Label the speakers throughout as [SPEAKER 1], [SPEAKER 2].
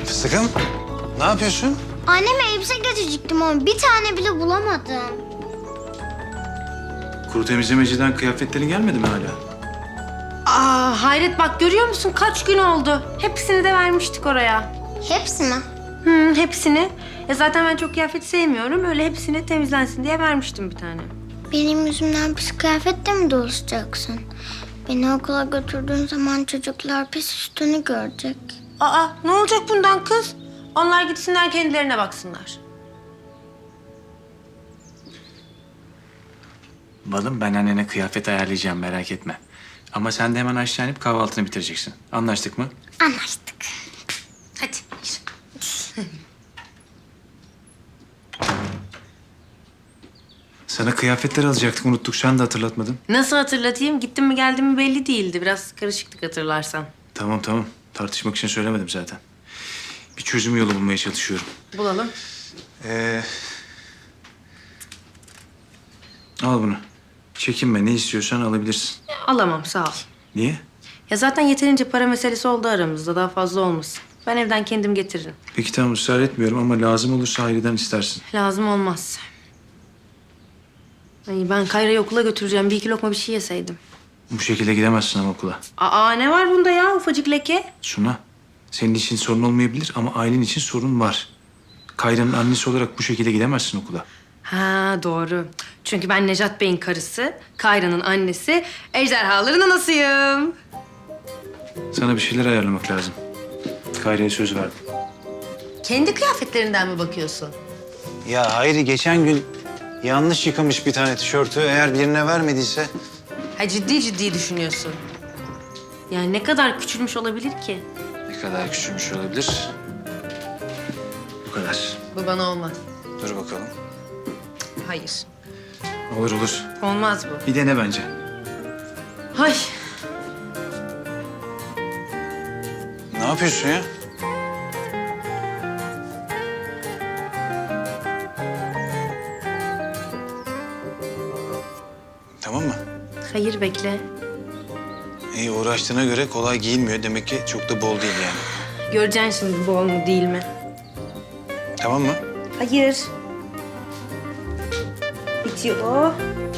[SPEAKER 1] Fıstıkım, ne yapıyorsun?
[SPEAKER 2] Anneme elbise getirecektim ama bir tane bile bulamadım.
[SPEAKER 1] Kuru temizlemeciden kıyafetlerin gelmedi mi hala?
[SPEAKER 3] Hayret bak görüyor musun kaç gün oldu. Hepsini de vermiştik oraya.
[SPEAKER 2] Hepsi mi?
[SPEAKER 3] Hepsini. Zaten ben çok kıyafet sevmiyorum. Öyle hepsini temizlensin diye vermiştim bir tane.
[SPEAKER 2] Benim yüzümden pis kıyafetle mi dolaşacaksın? Beni okula götürdüğün zaman çocuklar pis üstünü görecek.
[SPEAKER 3] Ne olacak bundan kız? Onlar gitsinler kendilerine baksınlar.
[SPEAKER 1] Balım, ben annene kıyafet ayarlayacağım, merak etme. Ama sen de hemen aşağı inip kahvaltını bitireceksin. Anlaştık mı?
[SPEAKER 2] Anlaştık.
[SPEAKER 3] Hadi yürü.
[SPEAKER 1] Sana kıyafetler alacaktık, unuttuk. Sen de hatırlatmadın.
[SPEAKER 3] Nasıl hatırlatayım? Gittim mi geldim mi belli değildi. Biraz karışıklık hatırlarsan.
[SPEAKER 1] Tamam. Tartışmak için söylemedim zaten. Bir çözüm yolu bulmaya çalışıyorum.
[SPEAKER 3] Bulalım.
[SPEAKER 1] Al bunu. Çekinme, ne istiyorsan alabilirsin.
[SPEAKER 3] Alamam sağ ol.
[SPEAKER 1] Niye?
[SPEAKER 3] Ya zaten yeterince para meselesi oldu aramızda. Daha fazla olmasın. Ben evden kendim getiririm.
[SPEAKER 1] Peki tamam, ısrar etmiyorum ama lazım olursa Hayri'den istersin.
[SPEAKER 3] Lazım olmaz. Ay, ben Kayra'yı okula götüreceğim. Bir iki lokma bir şey yeseydim.
[SPEAKER 1] Bu şekilde gidemezsin ama okula.
[SPEAKER 3] Ne var bunda ya ufacık leke?
[SPEAKER 1] Suna, senin için sorun olmayabilir ama ailen için sorun var. Kayra'nın annesi olarak bu şekilde gidemezsin okula.
[SPEAKER 3] Doğru. Çünkü ben Necat Bey'in karısı, Kayra'nın annesi, ejderhaların anasıyım.
[SPEAKER 1] Sana bir şeyler ayarlamak lazım. Kayra'ya söz verdim.
[SPEAKER 3] Kendi kıyafetlerinden mi bakıyorsun?
[SPEAKER 4] Ya Hayri geçen gün yanlış yıkamış bir tane tişörtü. Eğer birine vermediyse...
[SPEAKER 3] Ciddi düşünüyorsun. Yani ne kadar küçülmüş olabilir ki?
[SPEAKER 1] Ne kadar küçülmüş olabilir? Bu kadar.
[SPEAKER 3] Bu bana olmaz.
[SPEAKER 1] Dur bakalım.
[SPEAKER 3] Hayır.
[SPEAKER 1] Olur.
[SPEAKER 3] Olmaz bu.
[SPEAKER 1] Bir dene bence.
[SPEAKER 3] Ay.
[SPEAKER 4] Ne yapıyorsun ya? Tamam mı?
[SPEAKER 3] Hayır bekle.
[SPEAKER 4] İyi, uğraştığına göre kolay giyinmiyor. Demek ki çok da bol değil yani.
[SPEAKER 3] Göreceksin şimdi bol mu değil mi?
[SPEAKER 4] Tamam mı?
[SPEAKER 3] Hayır. Bitiyor.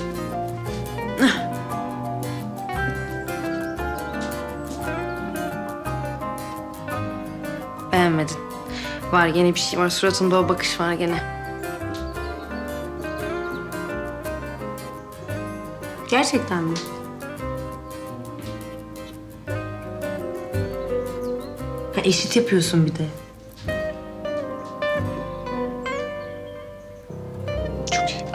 [SPEAKER 3] Beğenmedin. Var gene bir şey var. Suratında o bakış var gene. Gerçekten mi? Eşit yapıyorsun bir de.
[SPEAKER 1] Çok iyi.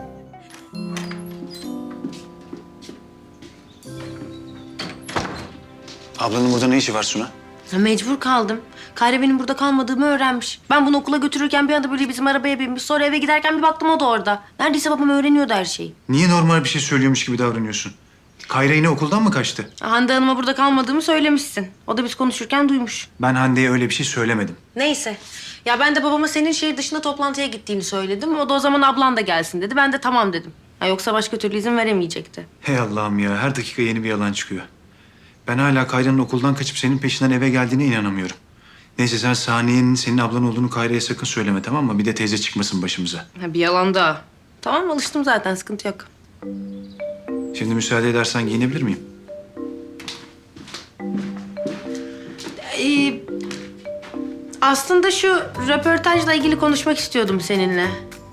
[SPEAKER 4] Ablanın burada ne işi var Suna?
[SPEAKER 3] Mecbur kaldım. Kayra benim burada kalmadığımı öğrenmiş. Ben bunu okula götürürken bir anda böyle bizim arabaya binmiş. Sonra eve giderken bir baktım o da orada. Neredeyse babam öğreniyordu her şeyi.
[SPEAKER 1] Niye normal bir şey söylüyormuş gibi davranıyorsun? Kayra yine okuldan mı kaçtı?
[SPEAKER 3] Hande Hanım'a burada kalmadığımı söylemişsin. O da biz konuşurken duymuş.
[SPEAKER 1] Ben Hande'ye öyle bir şey söylemedim.
[SPEAKER 3] Neyse. Ya ben de babama senin şehir dışında toplantıya gittiğini söyledim. O da o zaman ablan da gelsin dedi. Ben de tamam dedim. Yoksa başka türlü izin veremeyecekti.
[SPEAKER 1] Hey Allah'ım ya, her dakika yeni bir yalan çıkıyor. Ben hala Kayra'nın okuldan kaçıp senin peşinden eve geldiğine inanamıyorum. Neyse sen Saniye'nin senin ablan olduğunu Kayra'ya sakın söyleme, tamam mı? Bir de teyze çıkmasın başımıza.
[SPEAKER 3] Bir yalan daha. Tamam alıştım zaten sıkıntı yok.
[SPEAKER 1] Şimdi müsaade edersen giyinebilir miyim?
[SPEAKER 3] Aslında şu röportajla ilgili konuşmak istiyordum seninle.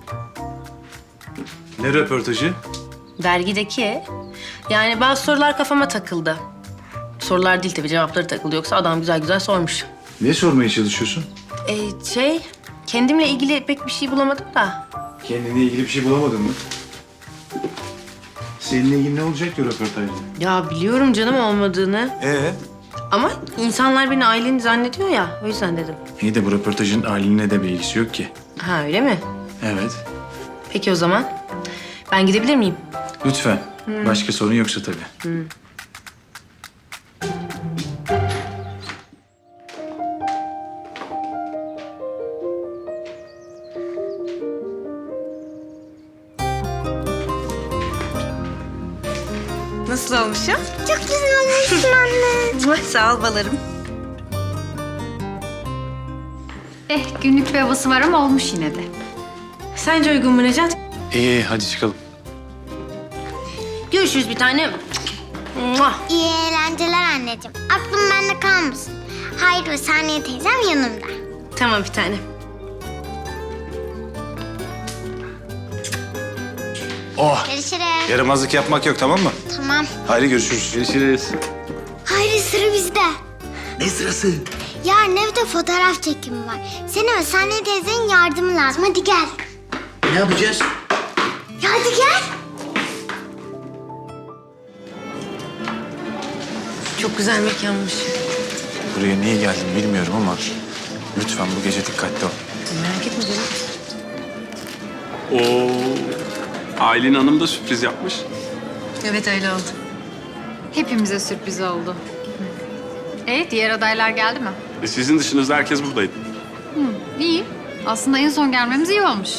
[SPEAKER 1] Ne röportajı?
[SPEAKER 3] Dergideki. Yani bazı sorular kafama takıldı. Sorular değil tabii cevapları takıldı. Yoksa adam güzel güzel sormuş.
[SPEAKER 1] Ne sormaya çalışıyorsun?
[SPEAKER 3] Kendimle ilgili pek bir şey bulamadım da.
[SPEAKER 1] Kendine ilgili bir şey bulamadın mı? Seninle ilgili ne olacak ki röportajda?
[SPEAKER 3] Ya biliyorum canım olmadığını. Ama insanlar beni aileni zannediyor ya. O yüzden dedim.
[SPEAKER 1] İyi de bu röportajın ailenle de bir ilgisi yok ki.
[SPEAKER 3] Öyle mi?
[SPEAKER 1] Evet.
[SPEAKER 3] Peki o zaman. Ben gidebilir miyim?
[SPEAKER 1] Lütfen. Başka sorun yoksa tabii.
[SPEAKER 3] Nasıl olmuşum?
[SPEAKER 2] Çok güzel olmuşsun anne.
[SPEAKER 3] Sağ ol balarım.
[SPEAKER 5] Günlük bir havası var ama olmuş yine de.
[SPEAKER 3] Sence uygun mu Necat?
[SPEAKER 1] İyi hadi çıkalım.
[SPEAKER 3] Görüşürüz bir tane. Muah.
[SPEAKER 2] İyi eğlenceler anneciğim. Aklım bende kalmasın. Hayır ve Saniye teyzem yanımda.
[SPEAKER 3] Tamam bir tane.
[SPEAKER 1] Oh,
[SPEAKER 2] Görüşürüz.
[SPEAKER 4] Yaramazlık yapmak yok, tamam mı?
[SPEAKER 2] Tamam.
[SPEAKER 1] haydi görüşürüz. Görüşürüz.
[SPEAKER 2] Hayır sıra bizde.
[SPEAKER 6] Ne sırası?
[SPEAKER 2] Yarın evde fotoğraf çekimi var. Senin ve Saniye teyzenin yardımı lazım. Hadi gel.
[SPEAKER 6] Ne yapacağız?
[SPEAKER 2] Ya hadi gel.
[SPEAKER 3] Çok güzel mekanmış.
[SPEAKER 1] Buraya niye geldim bilmiyorum ama lütfen bu gece dikkatli ol.
[SPEAKER 3] Merak etme canım.
[SPEAKER 7] Oo, Aylin Hanım da sürpriz yapmış.
[SPEAKER 3] Evet öyle oldu.
[SPEAKER 5] Hepimize sürpriz oldu. Diğer adaylar geldi mi?
[SPEAKER 7] Sizin dışınızda herkes buradaydı.
[SPEAKER 5] İyi. Aslında en son gelmemiz iyi olmuş.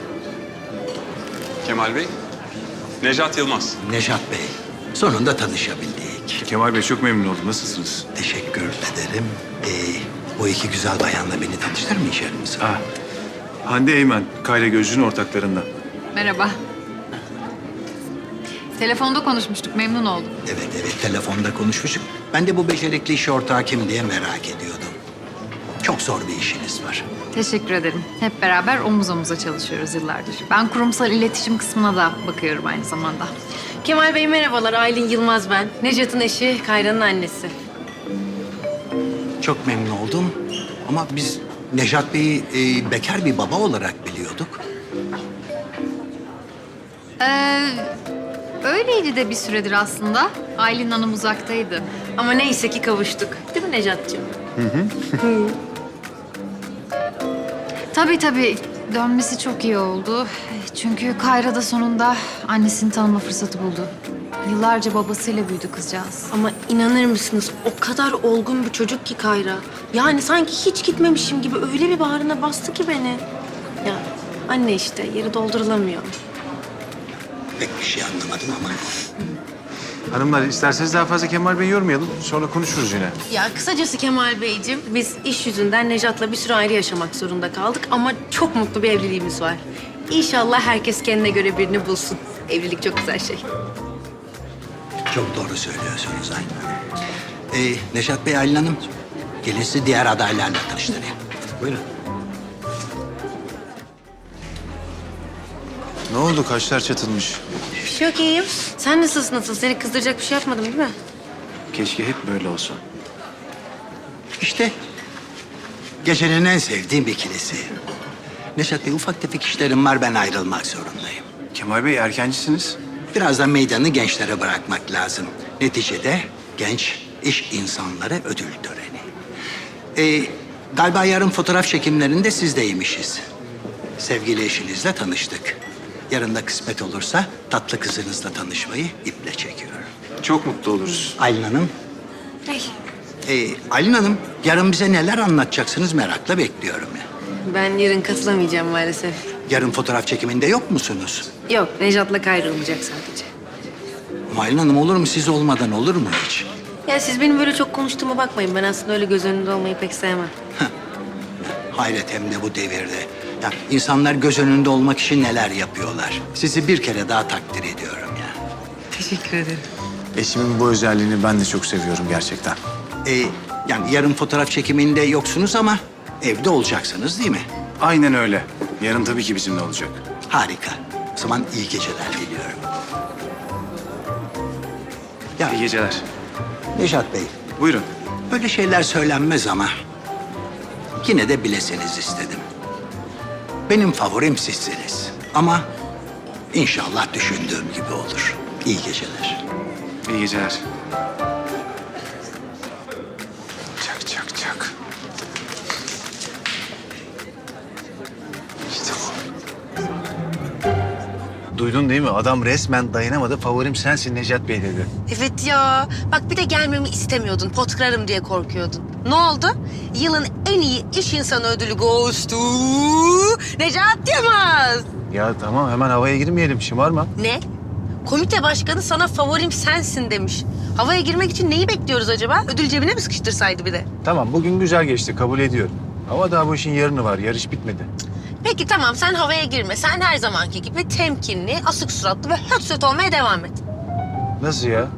[SPEAKER 7] Kemal Bey, Necat Yılmaz.
[SPEAKER 6] Nejat Bey, sonunda tanışabildik.
[SPEAKER 1] Kemal Bey çok memnun oldum. Nasılsınız?
[SPEAKER 6] Teşekkür ederim. Bu iki güzel bayanla beni tanıştırmayacak mısın?
[SPEAKER 1] Hande Eymen, Kayra Gözcü'nün ortaklarından.
[SPEAKER 5] Merhaba. Telefonda konuşmuştuk, memnun oldum.
[SPEAKER 6] Evet, telefonda konuşmuştuk. Ben de bu becerikli iş ortağı kim diye merak ediyordum. Çok zor bir işiniz var.
[SPEAKER 5] Teşekkür ederim. Hep beraber omuz omuza çalışıyoruz yıllardır. Ben kurumsal iletişim kısmına da bakıyorum aynı zamanda.
[SPEAKER 3] Kemal Bey merhabalar. Aylin Yılmaz ben. Necat'ın eşi, Kayra'nın annesi.
[SPEAKER 6] Çok memnun oldum. Ama biz Nejat Bey'i bekar bir baba olarak biliyorduk.
[SPEAKER 5] Öyleydi de bir süredir aslında. Aylin Hanım uzaktaydı.
[SPEAKER 3] Ama neyse ki kavuştuk. Değil mi Necat'cığım?
[SPEAKER 5] Tabii. Dönmesi çok iyi oldu. Çünkü Kayra da sonunda annesini tanıma fırsatı buldu. Yıllarca babasıyla büyüdü kızcağız.
[SPEAKER 3] Ama inanır mısınız o kadar olgun bir çocuk ki Kayra. Yani sanki hiç gitmemişim gibi öyle bir bağrına bastı ki beni. Ya anne işte yeri doldurulamıyor.
[SPEAKER 6] Pek bir şey anlamadım ama.
[SPEAKER 1] Hanımlar isterseniz daha fazla Kemal Bey'i yormayalım. Sonra konuşuruz yine.
[SPEAKER 3] Ya kısacası Kemal Beyciğim biz iş yüzünden Necat'la bir süre ayrı yaşamak zorunda kaldık ama çok mutlu bir evliliğimiz var. İnşallah herkes kendine göre birini bulsun. Evlilik çok güzel şey.
[SPEAKER 6] Çok doğru söylüyorsunuz Aylin Hanım. Nejat Bey, Aylin Hanım, gelin sizi diğer adaylarla tanıştırayım. Buyurun.
[SPEAKER 1] Ne oldu? Kaşlar çatılmış.
[SPEAKER 3] Bir şey yok iyiyim. Sen nasıl? Seni kızdıracak bir şey yapmadım değil mi?
[SPEAKER 1] Keşke hep böyle olsa.
[SPEAKER 6] İşte gecenin en sevdiğim ikilisi. Nejat Bey, ufak tefek işlerim var, ben ayrılmak zorundayım.
[SPEAKER 1] Kemal Bey erkencisiniz.
[SPEAKER 6] Biraz da meydanı gençlere bırakmak lazım. Neticede genç iş insanları ödül töreni. Galiba yarın fotoğraf çekimlerinde sizdeymişiz. Sevgili eşinizle tanıştık. Yarın da kısmet olursa tatlı kızınızla tanışmayı iple çekiyorum.
[SPEAKER 1] Çok mutlu oluruz.
[SPEAKER 6] Aylin Hanım,
[SPEAKER 3] Hey.
[SPEAKER 6] Aylin Hanım, yarın bize neler anlatacaksınız merakla bekliyorum.
[SPEAKER 3] Ben yarın katılamayacağım maalesef.
[SPEAKER 6] Yarın fotoğraf çekiminde yok musunuz?
[SPEAKER 3] Yok Necat'la Kayra olacak sadece.
[SPEAKER 6] Ama Aylin Hanım, olur mu? Siz olmadan olur mu hiç?
[SPEAKER 3] Ya siz benim böyle çok konuştuğuma bakmayın. Ben aslında öyle göz önünde olmayı pek sevmem.
[SPEAKER 6] Hayret, hem de bu devirde. Ya insanlar göz önünde olmak için neler yapıyorlar. Sizi bir kere daha takdir ediyorum ya.
[SPEAKER 3] Teşekkür ederim.
[SPEAKER 1] Eşimin bu özelliğini ben de çok seviyorum gerçekten.
[SPEAKER 6] Yani yarın fotoğraf çekiminde yoksunuz ama evde olacaksınız değil mi?
[SPEAKER 1] Aynen öyle. Yarın tabii ki bizimle olacak.
[SPEAKER 6] Harika. O zaman iyi geceler diliyorum. Ya
[SPEAKER 1] İyi geceler.
[SPEAKER 6] Nejat Bey,
[SPEAKER 1] Buyurun.
[SPEAKER 6] böyle şeyler söylenmez ama yine de bileseniz istedim. Benim favorim sizsiniz. Ama inşallah düşündüğüm gibi olur. İyi geceler.
[SPEAKER 1] İyi geceler. Çak. İşte bu. Duydun değil mi? Adam resmen dayanamadı. Favorim sensin Necat Bey dedi.
[SPEAKER 3] Evet ya. Bak bir de gelmemi istemiyordun. Pot kırarım diye korkuyordun. Ne oldu? Yılın en iyi iş insanı ödülü goes to Necat Yılmaz.
[SPEAKER 1] Ya tamam hemen havaya girmeyelim. Şımarma.
[SPEAKER 3] Ne? Komite başkanı sana favorim sensin demiş. Havaya girmek için neyi bekliyoruz acaba? Ödül cebine mi sıkıştırsaydı bir de?
[SPEAKER 1] Tamam bugün güzel geçti. Kabul ediyorum. Ama daha bu işin yarını var. Yarış bitmedi.
[SPEAKER 3] Peki tamam, sen havaya girme. Sen her zamanki gibi temkinli, asık suratlı ve höt olmaya devam et.
[SPEAKER 1] Nasıl ya?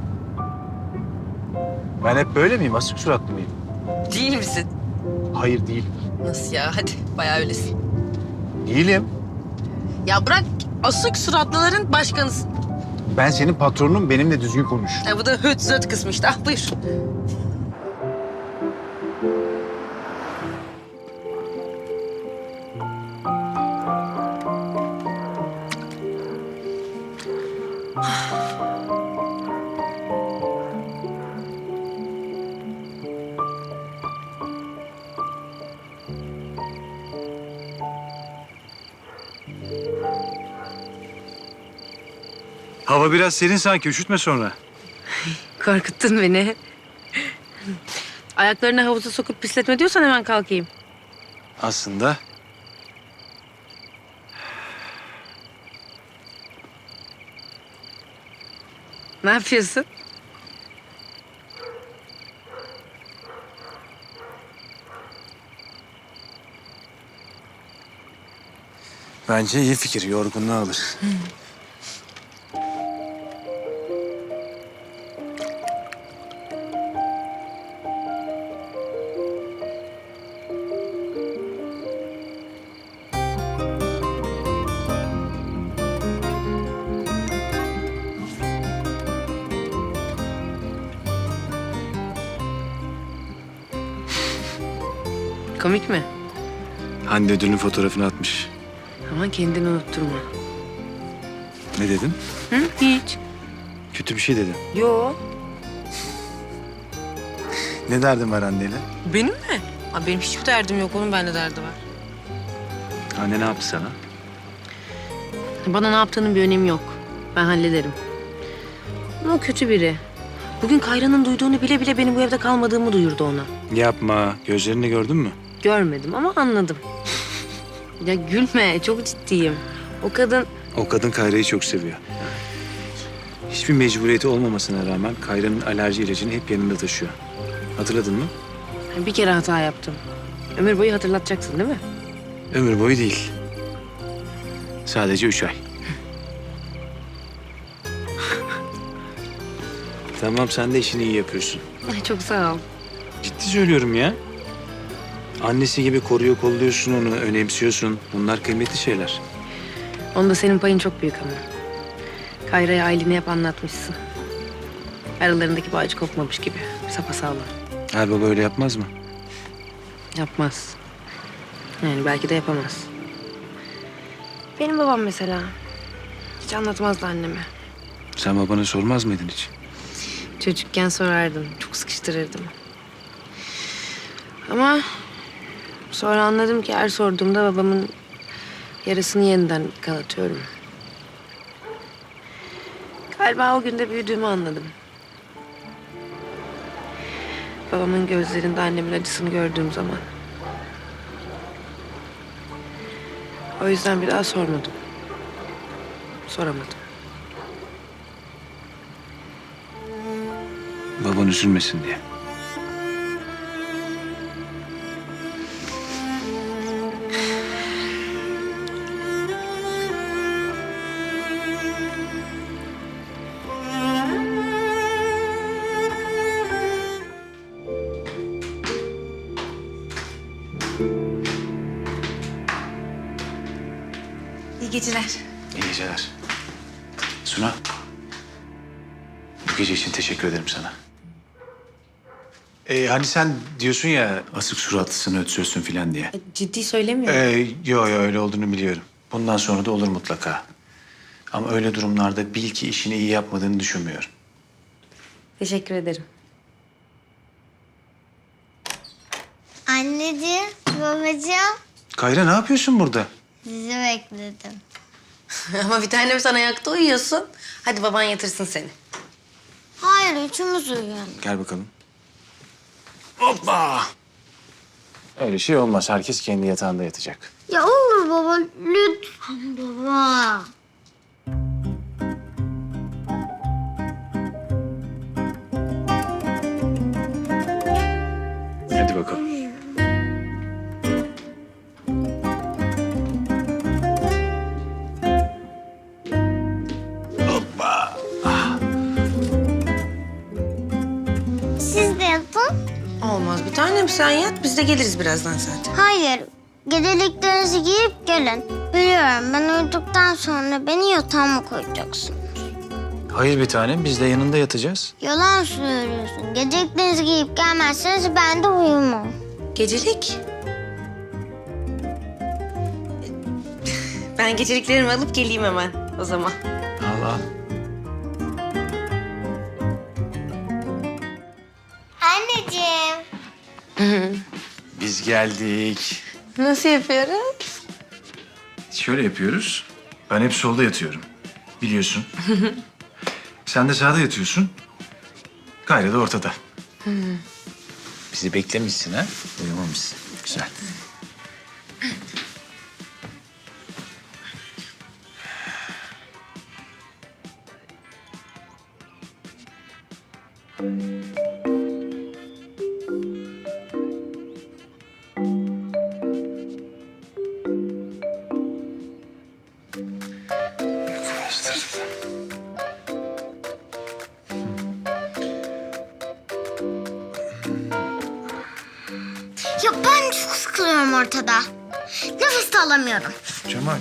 [SPEAKER 1] Ben hep böyle miyim? Asık suratlı mıyım?
[SPEAKER 3] Değil misin?
[SPEAKER 1] Hayır değil.
[SPEAKER 3] Nasıl ya? Hadi bayağı öylesin.
[SPEAKER 1] Değilim.
[SPEAKER 3] Ya bırak, asık suratlıların başkanısın.
[SPEAKER 1] Ben senin patronun, benimle düzgün konuş.
[SPEAKER 3] Ya bu da höt zöt kısmı işte. Ah buyur.
[SPEAKER 1] Hava biraz serin sanki. Üşütme sonra.
[SPEAKER 3] Korkuttun beni. Ayaklarını havuza sokup pisletme diyorsan hemen kalkayım.
[SPEAKER 1] Aslında
[SPEAKER 3] Ne yapıyorsun?
[SPEAKER 1] bence iyi fikir. Yorgunluğu alır.
[SPEAKER 3] Komik mi?
[SPEAKER 1] Hande ödülün fotoğrafını atmış.
[SPEAKER 3] Ama kendini unutturma.
[SPEAKER 1] Ne dedim?
[SPEAKER 3] Hı? Hiç.
[SPEAKER 1] Kötü bir şey dedim.
[SPEAKER 3] Yo.
[SPEAKER 1] Ne derdin var Hande'yle?
[SPEAKER 3] Benim mi? Aa, benim hiçbir derdim yok. Onun bende derdi var.
[SPEAKER 1] Hande ne yaptı sana?
[SPEAKER 3] Bana ne yaptığının bir önemi yok. Ben hallederim. Ama o kötü biri. Bugün Kayra'nın duyduğunu bile bile benim bu evde kalmadığımı duyurdu ona.
[SPEAKER 1] Yapma. Gözlerini gördün mü?
[SPEAKER 3] Görmedim ama anladım. Ya gülme, çok ciddiyim. O kadın...
[SPEAKER 1] O kadın Kayra'yı çok seviyor. Hiçbir mecburiyeti olmamasına rağmen Kayra'nın alerji ilacını hep yanında taşıyor. Hatırladın mı?
[SPEAKER 3] Bir kere hata yaptım. Ömür boyu hatırlatacaksın değil mi?
[SPEAKER 1] Ömür boyu değil. Sadece 3 ay. Tamam, sen de işini iyi yapıyorsun.
[SPEAKER 3] Ay, çok sağ ol.
[SPEAKER 1] Ciddi söylüyorum ya. Annesi gibi koruyor, kolluyorsun onu, önemsiyorsun. Bunlar kıymetli şeyler.
[SPEAKER 3] Onda senin payın çok büyük ama. Kayra'ya aileni hep anlatmışsın. Aralarındaki bağcı kopmamış gibi. Sapasağlam.
[SPEAKER 1] Her baba öyle yapmaz mı?
[SPEAKER 3] Yapmaz. Yani belki de yapamaz. Benim babam mesela. Hiç anlatmazdı anneme.
[SPEAKER 1] Sen babana sormaz mıydın hiç?
[SPEAKER 3] Çocukken sorardım. Çok sıkıştırırdım. Ama sonra anladım ki her sorduğumda babamın yarasını yeniden kanatıyorum. Galiba o günde büyüdüğümü anladım. Babamın gözlerinde annemin acısını gördüğüm zaman. O yüzden bir daha sormadım. Soramadım.
[SPEAKER 1] Baban üzülmesin diye.
[SPEAKER 5] İyi geceler.
[SPEAKER 1] İyi geceler. Suna. Bu gece için teşekkür ederim sana. Hani sen diyorsun ya asık suratlısın, ötsözsün filan diye.
[SPEAKER 3] Ciddi söylemiyorum.
[SPEAKER 1] Yo öyle olduğunu biliyorum. Bundan sonra da olur mutlaka. Ama öyle durumlarda bil ki işini iyi yapmadığını düşünmüyorum.
[SPEAKER 3] Teşekkür ederim.
[SPEAKER 2] Anneciğim, babacığım.
[SPEAKER 1] Kayra ne yapıyorsun burada?
[SPEAKER 2] Sizi bekledim.
[SPEAKER 3] Ama bir tanem sen ayakta uyuyorsun. Hadi baban yatırsın seni.
[SPEAKER 2] Hayır, üçümüz uyuyalım.
[SPEAKER 1] Gel bakalım. Hoppa! Öyle şey olmaz. Herkes kendi yatağında yatacak.
[SPEAKER 2] Ya olur baba, lütfen baba.
[SPEAKER 1] Hadi bakalım.
[SPEAKER 3] olmaz. Bir tanem sen yat, biz de geliriz birazdan zaten.
[SPEAKER 2] Hayır. Geceliklerinizi giyip gelin. Biliyorum ben uyuduktan sonra beni yatağıma koyacaksın.
[SPEAKER 1] Hayır bir tanem, biz de yanında yatacağız.
[SPEAKER 2] Yalan söylüyorsun. Geceliklerinizi giyip gelmezseniz ben de uyumam.
[SPEAKER 3] Gecelik. Ben geceliklerimi alıp geleyim hemen o zaman.
[SPEAKER 1] Allah.
[SPEAKER 2] Anneciğim.
[SPEAKER 1] Biz geldik.
[SPEAKER 3] Nasıl yapıyoruz?
[SPEAKER 1] Şöyle yapıyoruz. Ben hep solda yatıyorum. Biliyorsun. Sen de sağda yatıyorsun. Kayra da ortada. Bizi beklemişsin ha? Uyumamışsın. Güzel.
[SPEAKER 2] Ya ben çok sıkılıyorum ortada. Nefes de alamıyorum.
[SPEAKER 1] Cemal,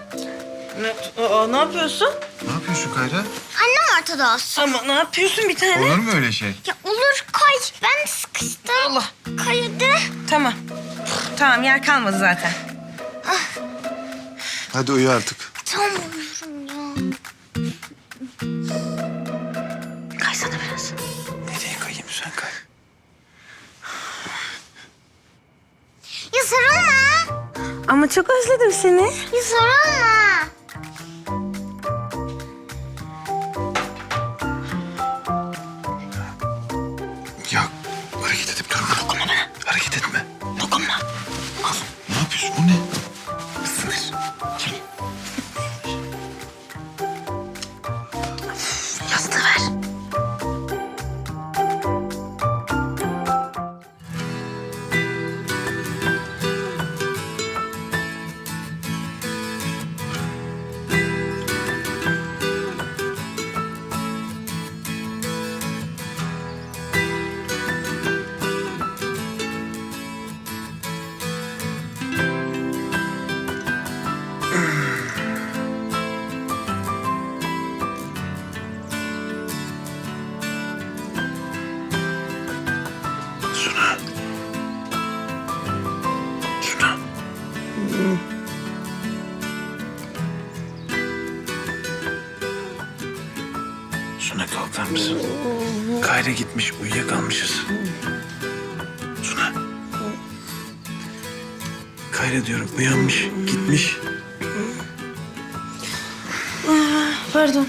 [SPEAKER 3] Ne yapıyorsun?
[SPEAKER 1] ne yapıyorsun Kayra?
[SPEAKER 2] Annem ortada olsun.
[SPEAKER 3] Ama ne yapıyorsun bir tane?
[SPEAKER 1] Olur mu öyle şey?
[SPEAKER 2] Ya olur kay. Ben sıkıştım.
[SPEAKER 3] Allah.
[SPEAKER 2] Kay hadi.
[SPEAKER 3] Tamam. Tamam yer kalmadı zaten.
[SPEAKER 1] Hadi uyu artık.
[SPEAKER 2] Tam uyuyorum ya.
[SPEAKER 3] Kaysana biraz.
[SPEAKER 1] Nereye kayayım sen kay?
[SPEAKER 2] Ya sarılma.
[SPEAKER 3] Ama çok özledim seni.
[SPEAKER 2] Ya sarılma.
[SPEAKER 1] Ya hareket edip durma. Dokunma bana. Hareket etme. Dokunma. Al. Ne yapıyorsun? O ne? Isınır.
[SPEAKER 3] Yastığı ver.
[SPEAKER 1] Suna. Suna. Suna kalkar mısın? Kayra gitmiş, uyuyakalmışız. Suna. Kayra diyorum, uyanmış, gitmiş.
[SPEAKER 3] Pardon.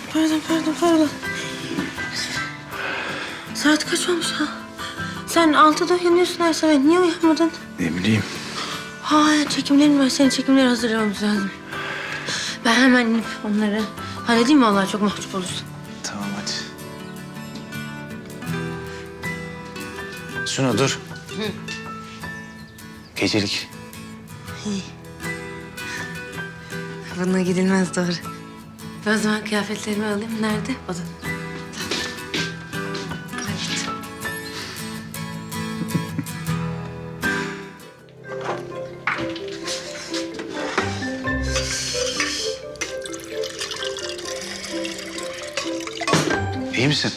[SPEAKER 3] Saat kaç olmuş ha? Sen 6'da uyanıyorsun her sabah. Niye uyanmadın?
[SPEAKER 1] Ne bileyim.
[SPEAKER 3] Ha çekimlerim var. Senin çekimleri hazırlamamız lazım. Ben hemen inip onları halledeyim mi? Vallahi çok mahcup olursun.
[SPEAKER 1] Tamam hadi. Suna dur. Gecelik.
[SPEAKER 3] Bununla gidilmez doğru. Ben o zaman kıyafetlerimi alayım. Nerede? Odada. Hadi.
[SPEAKER 1] İyi misin?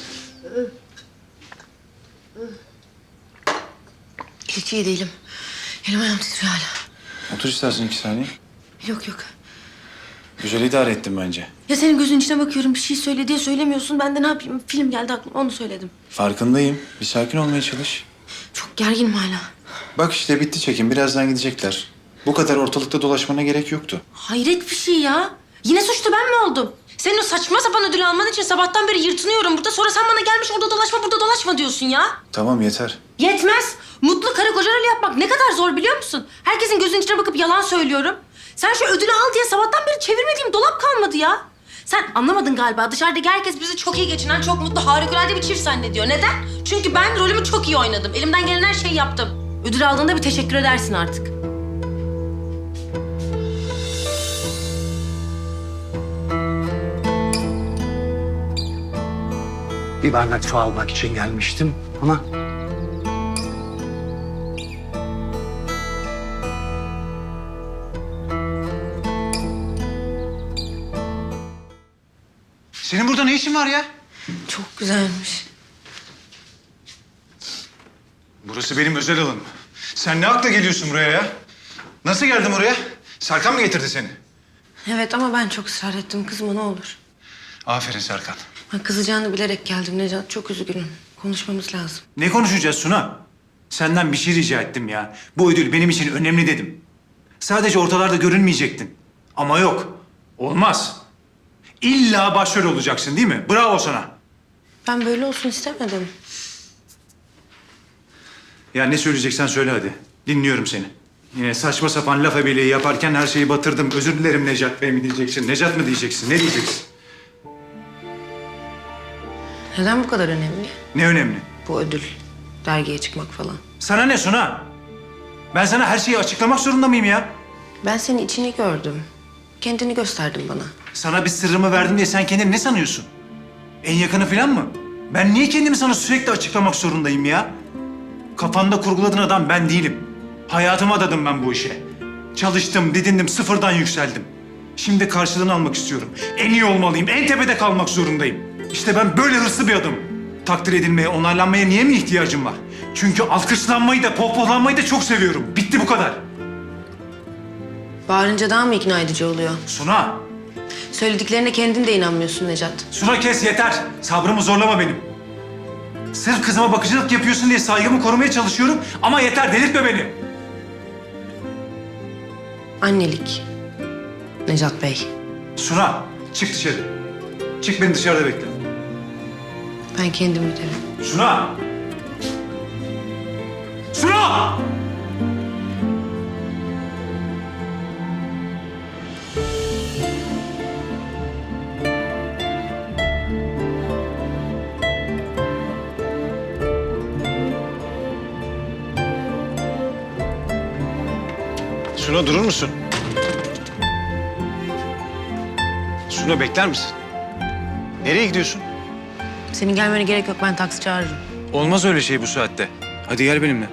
[SPEAKER 3] Hiç iyi değilim. Elim ayağım titriyor hala.
[SPEAKER 1] Otur istersen 2 saniye.
[SPEAKER 3] Yok.
[SPEAKER 1] Güzel idare ettim bence.
[SPEAKER 3] Ya senin gözün içine bakıyorum. Bir şey söyle diye söylemiyorsun. Ben de ne yapayım? Film geldi aklıma. Onu söyledim.
[SPEAKER 1] Farkındayım. Bir sakin olmaya çalış.
[SPEAKER 3] Çok gerginim hala.
[SPEAKER 1] Bak işte bitti çekim. Birazdan gidecekler. Bu kadar ortalıkta dolaşmana gerek yoktu.
[SPEAKER 3] Hayret bir şey ya. Yine suçlu ben mi oldum? Senin o saçma sapan ödül alman için sabahtan beri yırtınıyorum burada. Sonra sen bana gelmiş orada dolaşma, burada dolaşma diyorsun ya.
[SPEAKER 1] Tamam yeter.
[SPEAKER 3] Yetmez. Mutlu karı koca rolü yapmak ne kadar zor biliyor musun? Herkesin gözünün içine bakıp yalan söylüyorum. Sen şu ödülü al diye sabahtan beri çevirmediğim dolap kalmadı ya. Sen anlamadın galiba. Dışarıdaki herkes bizi çok iyi geçinen, çok mutlu, harikulade bir çift zannediyor. Neden? Çünkü ben rolümü çok iyi oynadım. Elimden gelen her şeyi yaptım. Ödül aldığında bir teşekkür edersin artık.
[SPEAKER 6] Bir bardak su almak için gelmiştim ama
[SPEAKER 4] Senin burada ne işin var ya?
[SPEAKER 3] Çok güzelmiş.
[SPEAKER 1] Burası benim özel alanım. Sen ne akla geliyorsun buraya ya? Nasıl geldin buraya? Serkan mı getirdi seni?
[SPEAKER 3] Evet ama ben çok ısrar ettim. Kızma ne olur.
[SPEAKER 1] Aferin Serkan.
[SPEAKER 3] Ben kızacağını bilerek geldim Necat. Çok üzgünüm. Konuşmamız lazım.
[SPEAKER 1] Ne konuşacağız Suna? Senden bir şey rica ettim ya. Bu ödül benim için önemli dedim. Sadece ortalarda görünmeyecektin. Ama yok. Olmaz. İlla başrol olacaksın değil mi? Bravo sana.
[SPEAKER 3] Ben böyle olsun istemedim.
[SPEAKER 1] Ya ne söyleyeceksen söyle hadi. Dinliyorum seni. Yine saçma sapan laf ebeliği yaparken her şeyi batırdım. Özür dilerim Necat Bey mi diyeceksin? Necat mı diyeceksin? Ne diyeceksin?
[SPEAKER 3] Neden bu kadar önemli?
[SPEAKER 1] Ne önemli?
[SPEAKER 3] Bu ödül, dergiye çıkmak falan.
[SPEAKER 1] Sana ne Suna? Ben sana her şeyi açıklamak zorunda mıyım ya?
[SPEAKER 3] Ben senin içini gördüm. Kendini gösterdin bana.
[SPEAKER 1] Sana bir sırrımı verdim diye sen kendini ne sanıyorsun? En yakını falan mı? Ben niye kendimi sana sürekli açıklamak zorundayım ya? Kafanda kurguladığın adam ben değilim. Hayatımı adadım ben bu işe. Çalıştım, didindim, sıfırdan yükseldim. Şimdi karşılığını almak istiyorum. En iyi olmalıyım, en tepede kalmak zorundayım. İşte ben böyle hırslı bir adamım. Takdir edilmeye, onaylanmaya niye mi ihtiyacım var? Çünkü alkışlanmayı da, pohpohlanmayı da çok seviyorum. Bitti bu kadar.
[SPEAKER 3] Bağırınca daha mı ikna edici oluyor?
[SPEAKER 1] Suna,
[SPEAKER 3] Söylediklerine kendin de inanmıyorsun Necat.
[SPEAKER 1] Suna kes yeter. Sabrımı zorlama benim. Sırf kızıma bakıcılık yapıyorsun diye saygımı korumaya çalışıyorum ama yeter, delirtme beni.
[SPEAKER 3] Annelik. Necat Bey.
[SPEAKER 1] Suna, çık dışarı. Çık, beni dışarıda bekle.
[SPEAKER 3] Ben kendim giderim.
[SPEAKER 1] Suna! Suna! Suna durur musun? Suna bekler misin? Nereye gidiyorsun?
[SPEAKER 3] Senin gelmene gerek yok. Ben taksi çağırırım.
[SPEAKER 1] Olmaz öyle şey bu saatte. Hadi gel benimle.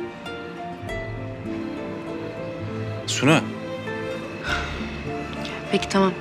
[SPEAKER 1] Suna.
[SPEAKER 3] Peki tamam.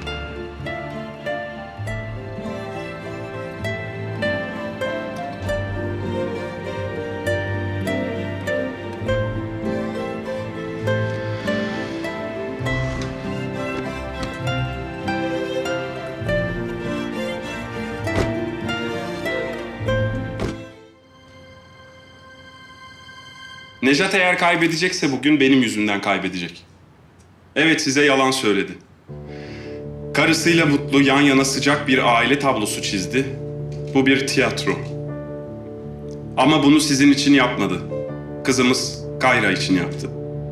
[SPEAKER 7] Necat eğer kaybedecekse bugün benim yüzümden kaybedecek. Evet, size yalan söyledi. Karısıyla mutlu, yan yana sıcak bir aile tablosu çizdi. Bu bir tiyatro. Ama bunu sizin için yapmadı. Kızımız Kayra için yaptı.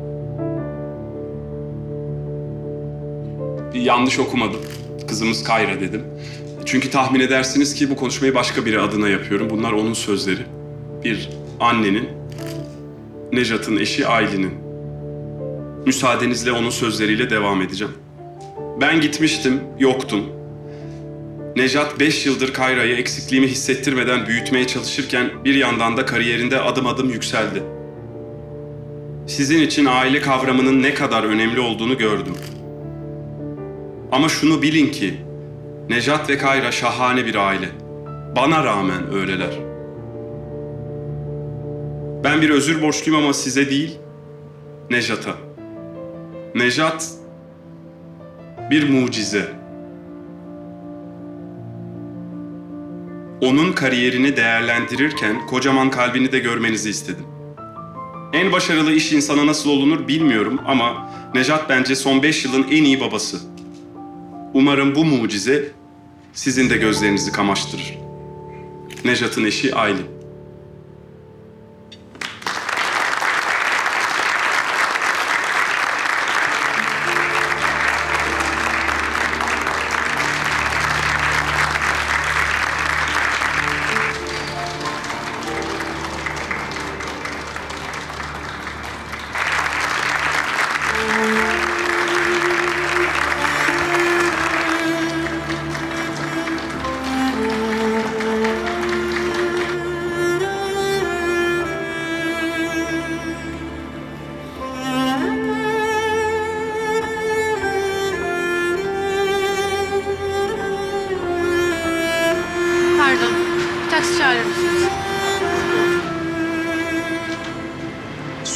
[SPEAKER 7] Yanlış okumadım. Kızımız Kayra dedim. Çünkü tahmin edersiniz ki bu konuşmayı başka biri adına yapıyorum. Bunlar onun sözleri. Bir annenin, Nejat'ın eşi Aylin'in. Müsaadenizle onun sözleriyle devam edeceğim. Ben gitmiştim, yoktun. Nejat 5 yıldır Kayra'yı eksikliğimi hissettirmeden büyütmeye çalışırken bir yandan da kariyerinde adım adım yükseldi. Sizin için aile kavramının ne kadar önemli olduğunu gördüm. Ama şunu bilin ki Nejat ve Kayra şahane bir aile. Bana rağmen öyleler. Ben bir özür borçluyum ama size değil, Nejat'a. Nejat bir mucize. Onun kariyerini değerlendirirken kocaman kalbini de görmenizi istedim. En başarılı iş insanı nasıl olunur bilmiyorum ama Nejat bence son 5 yılın en iyi babası. Umarım bu mucize sizin de gözlerinizi kamaştırır. Nejat'ın eşi Aylin.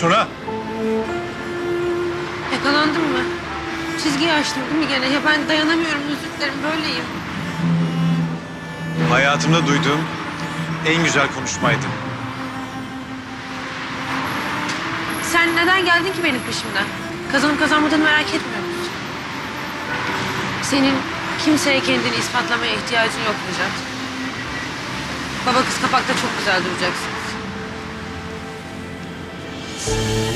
[SPEAKER 1] Suna.
[SPEAKER 3] Yakalandın mı? Çizgiyi açtım değil mi gene? Ya ben dayanamıyorum, özür dilerim, böyleyim.
[SPEAKER 1] Hayatımda duyduğum en güzel konuşmaydı.
[SPEAKER 3] Sen neden geldin ki benim peşimden? Kazanıp kazanmadığını merak etmiyor musun? Senin kimseye kendini ispatlamaya ihtiyacın yok Necat. Baba kız kapakta çok güzel duracaksınız.